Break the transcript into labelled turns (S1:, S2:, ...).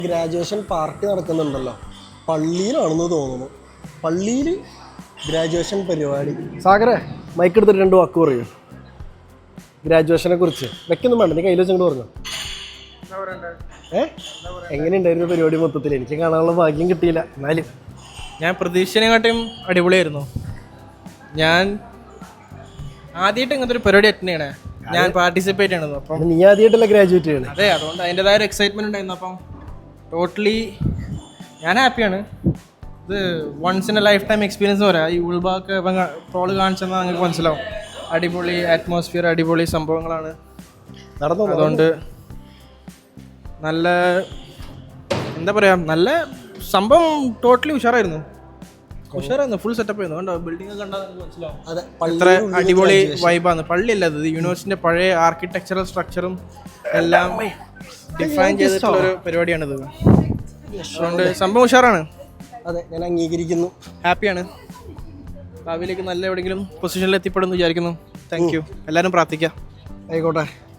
S1: Graduation party നടക്കുന്നുണ്ടല്ലോ, പള്ളിയിലാണെന്ന് തോന്നുന്നു. പള്ളിയിൽ graduation പരിപാടി. സാഗരെ മൈക്ക് എടുത്തിട്ട് 2 വാക്ക് പറയൂ ഗ്രാജുവേഷനെ കുറിച്ച്. വെക്കൊന്നും വേണ്ട, നീ കയ്യിൽ വെച്ചങ്ങോട്ട് പറഞ്ഞു. എങ്ങനെയുണ്ടായിരുന്നു പരിപാടി മൊത്തത്തിൽ? എനിക്ക് കാണാനുള്ള ഭാഗ്യം കിട്ടിയില്ല. എന്നാലും
S2: ഞാൻ പ്രതീക്ഷനെക്കാട്ടും അടിപൊളിയായിരുന്നു. ഞാൻ ആദ്യമായിട്ട് ഇങ്ങനത്തെ ഒരു പരിപാടി അറ്റൻഡ് ചെയ്യണേ, ഞാൻ പാർട്ടിസിപ്പേറ്റ് ചെയ്യണത്. അപ്പം
S1: നീ ആദ്യമായിട്ടല്ല ഗ്രാജുവേറ്റ് ചെയ്യണേ?
S2: അതെ, അതുകൊണ്ട് അതിൻ്റെതായ ഒരു എക്സൈറ്റ്മെൻറ്റ് ഉണ്ടായിരുന്നു. അപ്പം ടോട്ടലി ഞാൻ ഹാപ്പിയാണ്. ഇത് once in a lifetime experience പറയാം. ഈ ഉൾഭാഗമൊക്കെ ഇപ്പം ട്രോള് കാണിച്ചെന്നാൽ നിങ്ങൾക്ക് മനസ്സിലാവും. അടിപൊളി അറ്റ്മോസ്ഫിയർ, അടിപൊളി സംഭവങ്ങളാണ്. അതുകൊണ്ട് നല്ല എന്താ പറയുക, നല്ല സംഭവം ടോട്ടലി ഉഷാറായിരുന്നു. ഫുൾ സെറ്റപ്പ് ആയിരുന്നു. കണ്ടോ, ബിൽഡിംഗ് ഒക്കെ കണ്ടാൽ നിങ്ങൾക്ക് മനസ്സിലാവും എത്ര അടിപൊളി വൈബാണ്. പള്ളിയല്ല ഇത്, യൂണിവേഴ്സിറ്റിൻ്റെ പഴയ ആർക്കിടെക്ചറൽ സ്ട്രക്ചറും എല്ലാം ഡിഫൈൻ ചെയ്തിട്ടുള്ള ഒരു പരിപാടിയാണിത്. അതുകൊണ്ട് സംഭവം ഉഷാറാണ്.
S1: അതെ, ഞാൻ അംഗീകരിക്കുന്നു.
S2: ഹാപ്പിയാണ്. ഭാവിയിലേക്ക് നല്ല എവിടെയെങ്കിലും പൊസിഷനിൽ എത്തിപ്പെടുമെന്ന് വിചാരിക്കുന്നു. Thank you. എല്ലാവരും പ്രാർത്ഥിക്കാം.
S1: ആയിക്കോട്ടെ.